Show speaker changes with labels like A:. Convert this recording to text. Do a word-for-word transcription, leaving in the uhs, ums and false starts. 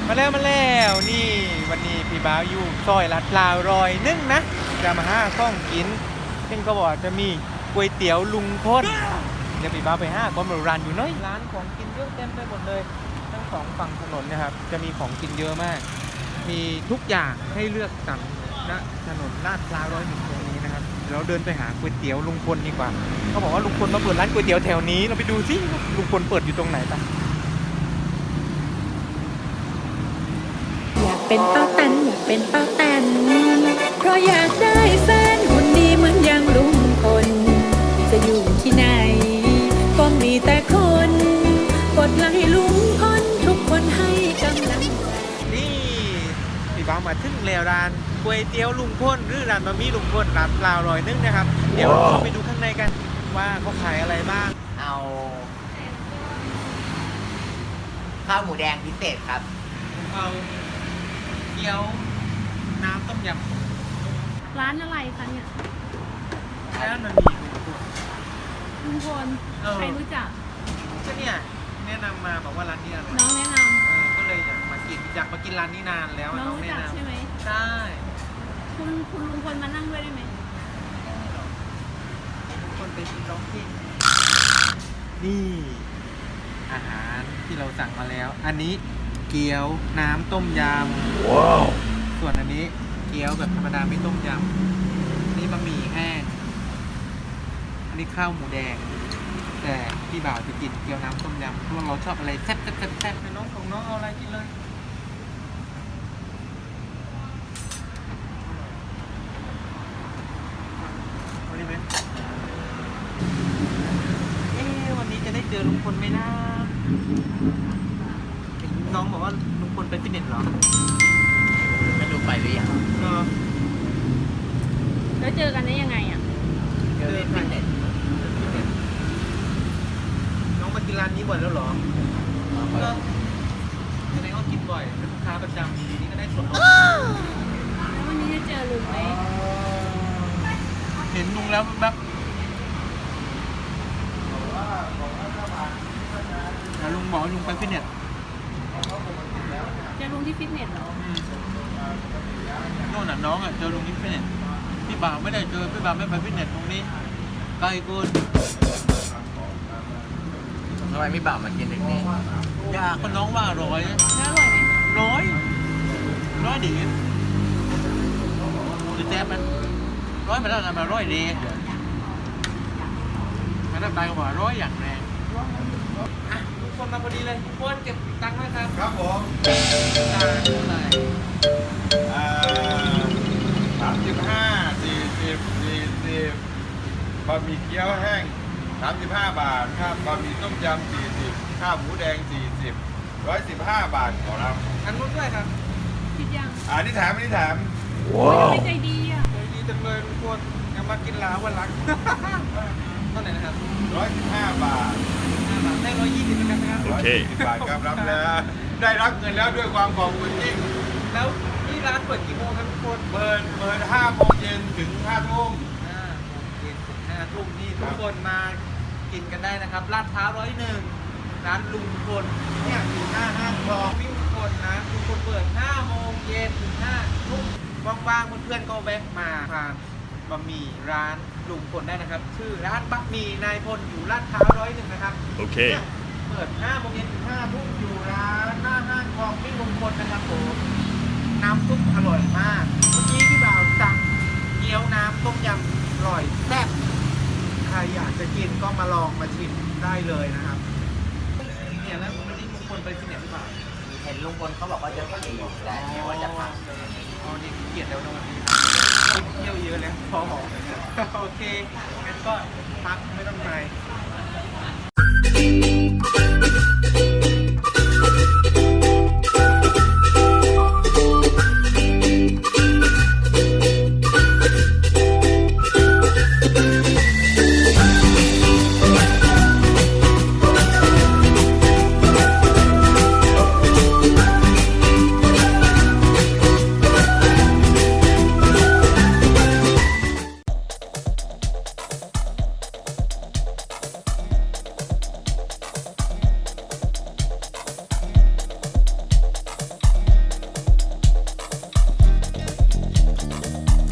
A: มาแล้วมาแล้วนี่วันนี้พี่บ่าวอยู่ซอยลาดพร้าวรอยนึงนะจะมาหาข้องกินเช่นก็บอกจะมีก๋วยเตี๋ยวลุงพลเดี๋ยวพี่บ่าวไปห้าก้อนบร้านอยู่น้อยร้านของกินเยอะเต็มไปหมดเลยทั้งสองฝั่งถนนนะครับจะมีของกินเยอะมากมีทุกอย่างให้เลือกสรรณถนนลาดพร้าวร้อยหนึ่งตรงนี้นะครับเราเดินไปหาก๋วยเตี๋ยวลุงพลดีกว่าเขาบอกว่าลุงพลมาเปิดร้านก๋วยเตี๋ยวแถวนี้เราไปดูสิลุงพลเปิดอยู่ตรงไหนปะ
B: อยากเป็นป้าแตนอยากเป็นป้าแตนเพราะอยากได้แฟนคนดีเหมือนอย่างลุงพลจะอยู่ที่ไหนก็มีแต่คนกดไลค์ลุงพลทุกคนให้กำลังใจ
A: นี่พี่บ่าวมาถึงแล้วร้านก๋วยเตี๋ยวลุงพลหรือร้านบะหมี่ลุงพลร้านเปล่าร้อยนึงนะครับเดี๋ยวเราไปดูข้างในกันว่าเขาขายอะไรบ้าง
C: เอาข้าวหมูแดงพิเศษครับ
A: เอาเกี๊ยวน้ำต้มยำ
D: ร้านอะไรคะเนี่ย
A: ร้านมันมี
D: ลุงพลใครรู้จัก
A: ก็เนี่ยแนะนำมาบอกว่าร้านนี้อร่อย
D: น้องแนะน
A: ำเออก็เลยอยากมากินอยากมากินร้านนี้นานแล้ว
D: ำน้อง
A: น้อง
D: รู้
A: แนะ
D: จัก
A: นำ
D: ใช่ไหม
A: ใช่
D: คุณคุณลุงพลมานั่งด้วยได้ไหม
A: ลุงพลไปร้องเพลงนี่อาหารที่เราสั่งมาแล้วอันนี้เกี๊ยวน้ำต้มยำว้าวส่วนอันนี้เกี๊ยวแบบธรรมดาไม่ต้มยำนี่บะหมี่แห้งอันนี้ข้าวหมูแดงแต่พี่บ่าวจะกินเกี๊ยวน้ำต้มยำเพราะเราชอบอะไรแซ่บแซ่บแซ่บแซ่บน้องของน้องเอาอะไรกินเลยเอาดีไหมเอ๊ะวันนี้จะได้เจอลุงพลไหมนะน้องบอกว่าลุงพลไปฟิตเนสเหรอ
C: ไม่รู้ไปหรือยัง
A: เออ
D: แล้วเจอกันได้ยังไงอ่ะ
C: เจอที่ฟิตเนส
A: น้องมากินร้านนี้บ่อยแล้วเหรอก็แสดงว่ากินบ่อยเป็นลูกค้าประจำทีนี้ก็ได้ส่วนลด
D: แล้ววันนี้จะเจอลุงไหม
A: เห็นลุงแล้วแบบแต่ลุงบอกลุงไปฟิตเนส
D: เจอลุงที่ฟิตเนสเหรอ
A: โน่นน่ะน้องอ่ะเจอลุงที่ฟิตเนสพี่บ่าวไม่ได้เจอพี่บ่าวไม่ไปฟิตเนสตรงนี้ไกลเกิน
C: ทำไมไม่บ่าวมากินถึงนี้
A: อยากคนน้องว่าอร่อย
D: แล้วอร่อยไหม
A: ร้อยร้อยดีหรือแจ๊บมันร้อยมาแล้วนะมาร้อยดีมาได้ไปกว่าร้อยอย่างแรงอ่ะทุกคนมาพอดีเลยทุกคนเก็บตังค์ไว้ครับ
E: ครับผม
A: ตังค์เท่าไหร่
E: อ่าสามสิบห้าสี่สิบสี่สิบบะหมี่เกี๊ยวแห้งสามสิบห้าบาทครับบะหมี่ต้มยำสี่สิบข้าวหมูแดงสี่สิบร้อยสิบห้าบาทขอรับ
A: อันนู้นด้วยครับ
D: คิดยัง
E: อ่านี่แถมอันนี้แถม
D: ว้าวไม่ใจดีอ่ะ
A: ใจดีจังเลยทุกคนยังมากินลาวันรักเท่าไหร่นะครับ
E: ร้อยสิบห้าบาท
A: ได้ร้อยยี่สิบเหมือนกันนะครับ
E: โอเคบาทครับรับแล้วได้รับเงินแล้วด้วยความขอบคุณยิ่ง
A: แล้วที่ร้านเปิดกี่โมงครับทุกคน
E: เปิดเปิดห้าโมงเย็นถึงห้าทุ่ม
A: ห้าโมงเย็นถึงห้าทุ่มนี่ทุกคนมากินกันได้นะครับลาดพร้าวร้อยหนึ่งร้านลุงพลเนี่ยอยู่หน้าห้างทองวิ่งคนนะลุงพลเปิดห้าโมงเย็นถึงห้าทุ่มว่างๆเพื่อนๆก็แวะมาทานบะหมี่ร้านลุงพลได้นะครับชื่อร้านบะหมี่นายพลอยู่ลาดพร้าวร้อยหนึ่งนะครับ
E: โอเค
A: เปิดห้าโมงเย็นถึงห้าทุ่มอยู่ร้านหน้าห้างทองวิ่งลุงพลนะครับผมน้ำซุปอร่อยมากเมื่อกี้พี่บ่าวสั่งเกี๊ยวน้ำต้มยำอร่อยแซ่บใครอยากจะกินก็มาลองมาชิมได้เลยนะครับเนี่ยแล้ววันนี้ลุงพลไปที่ไหนหรือเปล่า
C: เห็นลุงพลเขาบอกว่าจะไปอยู่แต่ไม่ว่าจะพัก
A: อ๋อนี่เกียรติแล้วนะวันนี้เที่ยวเยอะแล้วพอโอเคงั้นก็พักไม่ต้องไป